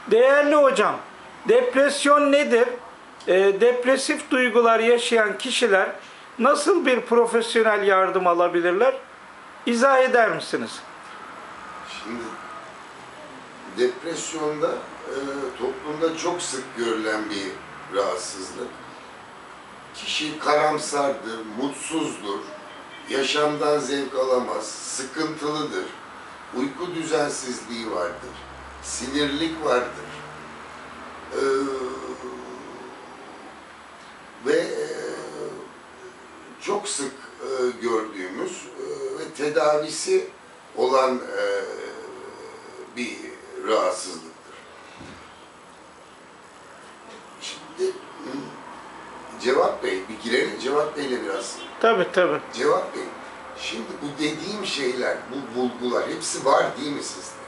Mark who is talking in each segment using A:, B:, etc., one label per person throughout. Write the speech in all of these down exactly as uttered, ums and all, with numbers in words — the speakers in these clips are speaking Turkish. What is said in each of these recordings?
A: Değerli hocam, depresyon nedir? E, depresif duygular yaşayan kişiler nasıl bir profesyonel yardım alabilirler? İzah eder misiniz?
B: Şimdi depresyonda e, toplumda çok sık görülen bir rahatsızlık. Kişi karamsardır, mutsuzdur, yaşamdan zevk alamaz, sıkıntılıdır, uyku düzensizliği vardır, sinirlik vardır. Ee, ve e, çok sık e, gördüğümüz e, ve tedavisi olan e, bir rahatsızlıktır. Şimdi Cevat Bey, bir girelim Cevat Bey'le biraz.
A: Tabii tabii.
B: Cevat Bey, şimdi bu dediğim şeyler, bu bulgular hepsi var değil mi sizde?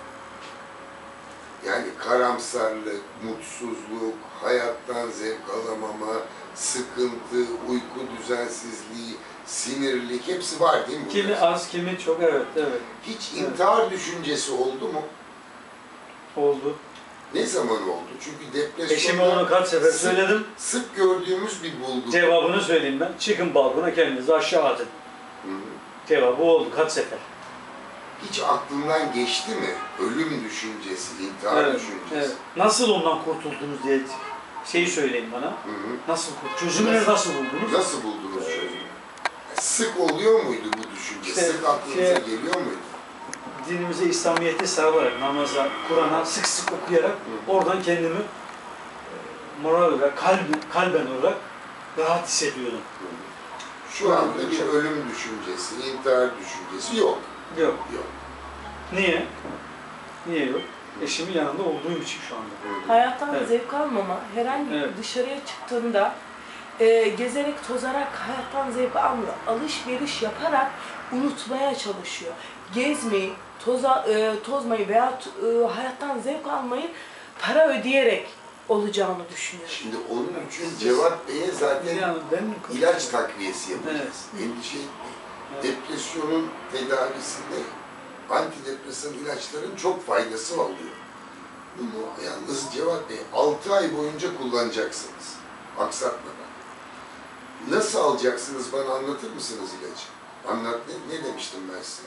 B: Yani karamsarlık, mutsuzluk, hayattan zevk alamama, sıkıntı, uyku düzensizliği, sinirlik hepsi var değil mi?
C: Kimi az, kimi çok, evet, evet.
B: Hiç intihar düşüncesi oldu mu?
C: Oldu.
B: Ne zaman oldu? Çünkü depresyonda
C: Eşime onu kaç sefer
B: sık,
C: söyledim.
B: sık gördüğümüz bir bulgu.
C: Cevabını söyleyeyim ben. Çıkın balkona kendinizi aşağı atın.
B: Hı hı.
C: Cevabı oldu kaç sefer.
B: Hiç aklından geçti mi? Ölüm düşüncesi, intihar
C: Evet,
B: düşüncesi.
C: evet. Nasıl ondan kurtuldunuz diye şeyi söyleyin bana.
B: Hı hı.
C: Nasıl kurtuldunuz? Çözümünü nasıl buldunuz?
B: Nasıl buldunuz çözümü? Sık oluyor muydu bu düşünce?
C: İşte
B: sık aklınıza
C: şey-
B: geliyor muydu?
C: Dinimize, İslamiyet'e sarılarak, namaza, Kur'an'a sık sık okuyarak
B: Hı.
C: oradan kendimi e, moral olarak, kalbi, kalben olarak rahat hissediyordum.
B: Şu anda bir ölüm düşüncesi, intihar düşüncesi yok.
C: Yok.
B: Yok.
C: Niye? Niye yok? Eşimin yanında olduğum için şu anda.
D: Hayattan
C: Evet.
D: zevk almama, herhangi
C: Evet.
D: dışarıya çıktığında e, gezerek, tozarak hayattan zevk almıyor. Alışveriş yaparak unutmaya çalışıyor. Gezmeyi, toza, e, tozmayı veya e, hayattan zevk almayı para ödeyerek olacağını düşünüyor.
B: Şimdi onun için Cevat Bey'e zaten
C: Yani ben
B: ilaç takviyesi yapacağız.
C: Evet.
B: Endişe etmeyin.
C: Evet.
B: Depresyonun tedavisinde antidepresan ilaçların çok faydası oluyor. Bunu yalnız Cevat Bey altı ay boyunca kullanacaksınız. Aksatmadan. Nasıl alacaksınız bana anlatır mısınız ilacı? Anlat, ne, ne demiştim ben size?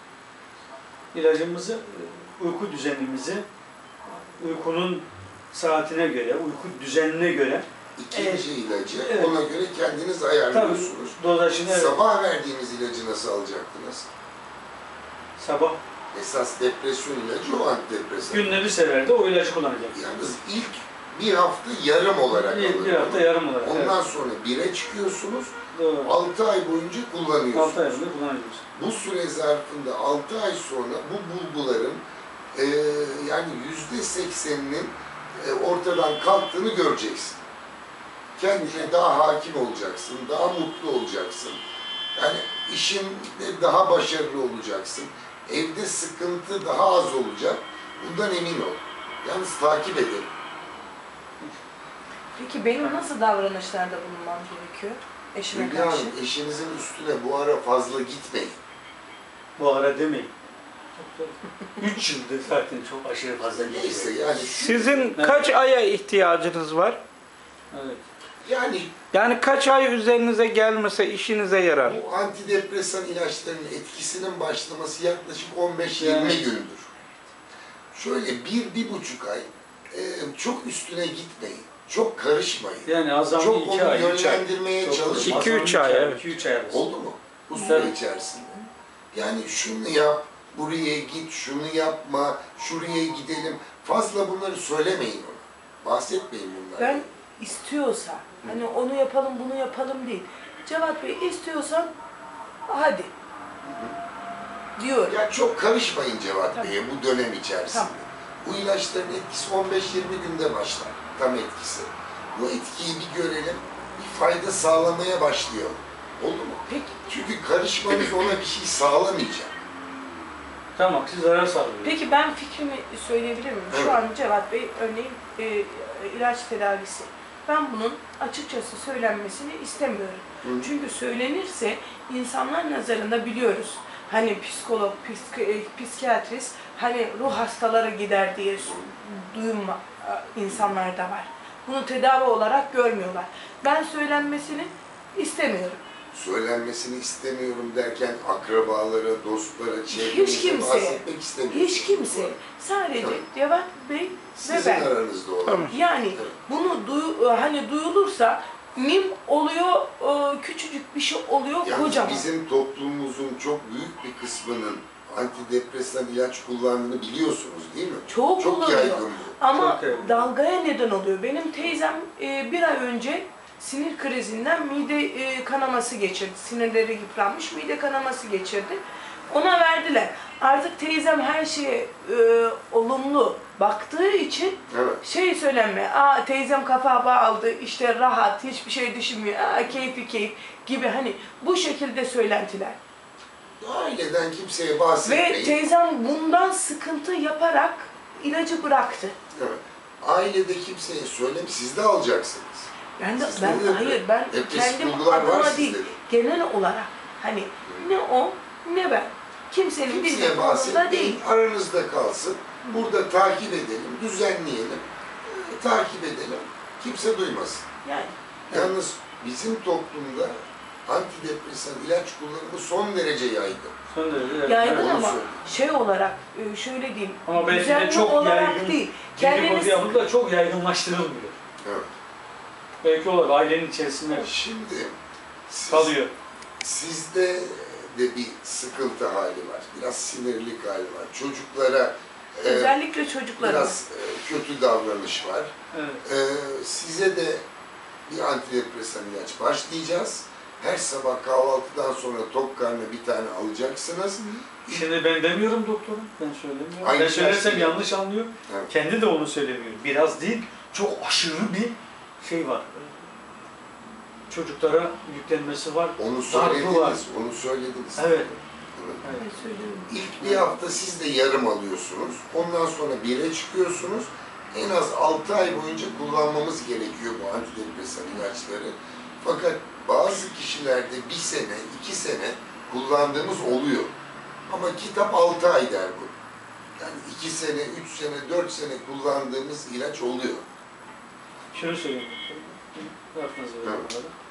C: İlacımızı, uyku düzenimizi, uykunun saatine göre, uyku düzenine göre
B: İkinci
C: Evet.
B: ilacı
C: Evet.
B: ona göre kendiniz
C: tabii
B: ayarlıyorsunuz.
C: dozajını evet,
B: Sabah verdiğimiz ilacı nasıl alacaktınız?
C: sabah
B: Esas depresyon ilacı o antidepresan.
C: günde bir sefer de o ilacı kullanacak.
B: Yalnız ilk bir hafta yarım olarak
C: Bir,
B: alın.
C: bir hafta yarım olarak.
B: Ondan
C: Evet.
B: sonra bire çıkıyorsunuz,
C: Doğru.
B: altı ay boyunca kullanıyorsunuz.
C: altı ay boyunca kullanıyoruz.
B: Bu süre zarfında altı ay sonra bu bulguların e, yani yüzde sekseninin e, ortadan kalktığını göreceksin. Kendine daha hakim olacaksın, daha mutlu olacaksın. Yani işinde daha başarılı olacaksın. Evde sıkıntı daha az olacak. Bundan emin ol. Yalnız takip edelim.
D: Peki benim nasıl davranışlarda bulunmam gerekiyor eşime
B: Hülya
D: karşı?
B: Hanım, eşinizin üstüne bu ara fazla gitmeyin.
C: Bu ara demeyin. Üç yıldır zaten çok aşırı fazla
B: Neyse
C: geçiyor.
B: yani şu,
A: Sizin kaç aya ihtiyacınız var?
C: Evet.
B: yani
A: Yani kaç ay üzerinize gelmese işinize yarar?
B: bu antidepresan ilaçlarının etkisinin başlaması yaklaşık on beş yirmi
C: Yani-
B: gündür. Şöyle bir, bir buçuk ay e, çok üstüne gitmeyin. Çok karışmayın.
C: Yani azami
B: Çok
C: iki
B: onu
C: ay, üç ay.
B: yönlendirmeye
C: Çok
B: çalışın.
A: İki,
C: azami
A: üç ay, evet.
C: iki üç ay arası.
B: Oldu mu? Bu süre
C: Evet.
B: içerisinde. Yani şunu yap, buraya git, şunu yapma, şuraya gidelim. Fazla bunları söylemeyin ona. Bahsetmeyin bunlardan.
D: Ben istiyorsa, hani onu yapalım, bunu yapalım değil. Cevat Bey istiyorsan hadi diyor.
B: Ya çok karışmayın Cevat
D: Tamam.
B: Bey'e bu dönem içerisinde.
D: Tamam.
B: Bu ilaçların etkisi on beş yirmi günde başlar. Tam etkisi. Bu etkiyi bir görelim, bir fayda sağlamaya başlayalım. Oldu mu?
D: Peki.
B: Çünkü karışmanız ona bir şey sağlamayacak.
C: Tamam, siz zarar sağlıyorsunuz.
D: Peki ben fikrimi söyleyebilir miyim?
B: Evet.
D: Şu an Cevat Bey örneğin e, ilaç tedavisi. Ben bunun açıkçası söylenmesini istemiyorum.
B: Hı.
D: Çünkü söylenirse insanlar nazarında biliyoruz. hani psikolog, psik, psikiyatrist hani ruh hastaları gider diye duyum insanlarda var. Bunu tedavi olarak görmüyorlar. Ben söylenmesini istemiyorum.
B: Söylenmesini istemiyorum derken akrabalara, dostlara,
D: Hiç
B: çevrenize
D: kimseye,
B: bahsetmek istemiyorum.
D: hiç kimse. Sadece
B: Tabii.
D: Cevat Bey ve
B: Sizin
D: ben.
B: aranızda olan.
A: Tamam.
D: Yani
B: Evet.
D: bunu duy, hani duyulursa mim oluyor, e, küçücük bir şey oluyor,
B: Yani
D: kocaman.
B: bizim toplumumuzun çok büyük bir kısmının antidepresan ilaç kullandığını biliyorsunuz değil mi?
D: Çok kullanıyor.
B: yaygın bu.
D: Ama
C: Çok yaygın.
D: dalgaya neden oluyor. Benim teyzem e, bir ay önce sinir krizinden mide e, kanaması geçirdi. Sinirleri yıpranmış, mide kanaması geçirdi. Ona verdiler. Artık teyzem her şeye e, olumlu baktığı için
B: Evet.
D: şey söylenme, aa teyzem kafa bağladı, işte rahat, hiçbir şey düşünmüyor, aa keyfi keyif gibi hani bu şekilde söylentiler.
B: Aileden kimseye
D: Ve
B: bahsetmeyin.
D: teyzem bundan sıkıntı yaparak ilacı bıraktı.
B: Evet. Ailede kimseye söyleme, siz de alacaksınız.
D: Ben de,
B: Sizde
D: ben
B: de
D: hayır ben
B: depresif
D: kendim
B: duygular var
D: adıma
B: sizde
D: değil,
B: de.
D: genel olarak hani ne o ne ben. Kimsenin
B: Kimseye
D: bizim umurunda
B: bahsetmeyin,
D: değil.
B: aranızda kalsın. Burada takip edelim, düzenleyelim, e, takip edelim. Kimse duymasın.
D: Yani
B: Yalnız bizim toplumda antidepresan ilaç kullanımı son derece yaygın.
C: Son derece yaygın.
D: yaygın
B: onu
D: ama
B: söyleyeyim.
D: şey olarak e, şöyle diyeyim.
C: Ama belki de
D: düzenli
C: çok
D: olarak
C: yaygın,
D: değil.
C: Kendiniz...
D: Kendiniz
C: yapıp da çok yaygınlaştırılmıyor.
B: Evet.
C: Belki olur, ailenin içerisinde
B: Şimdi siz,
C: kalıyor.
B: sizde de bir sıkıntı hali var. Biraz sinirlik hali var. Çocuklara e,
D: özellikle çocuklara.
B: biraz e, kötü davranış var.
C: Evet.
B: E, size de bir antidepresan ilaç başlayacağız. Her sabah kahvaltıdan sonra tok karnına bir tane alacaksınız.
C: Şimdi ben demiyorum doktorum, ben söylemiyorum.
B: Aynı
C: ben söylersem
B: şey.
C: yanlış anlıyor.
B: Evet.
C: Kendi de onu söylemiyor. Biraz değil, çok aşırı bir şey var. Çocuklara yüklenmesi var.
B: Onu
C: Darbe
B: söylediniz,
C: var.
B: onu söylediniz.
C: Evet.
B: Evet.
C: Evet.
D: Ne söylüyorum?
B: İlk bir hafta siz de yarım alıyorsunuz. Ondan sonra bire çıkıyorsunuz. En az altı ay boyunca kullanmamız gerekiyor bu antidepresan ilaçları. Fakat bazı kişilerde bir sene, iki sene kullandığımız oluyor. Ama kitap altı ay der bu. Yani iki sene, üç sene, dört sene kullandığımız ilaç oluyor.
C: Şunu söyleyeyim. Aklınızı verin
B: Evet.
C: bunları.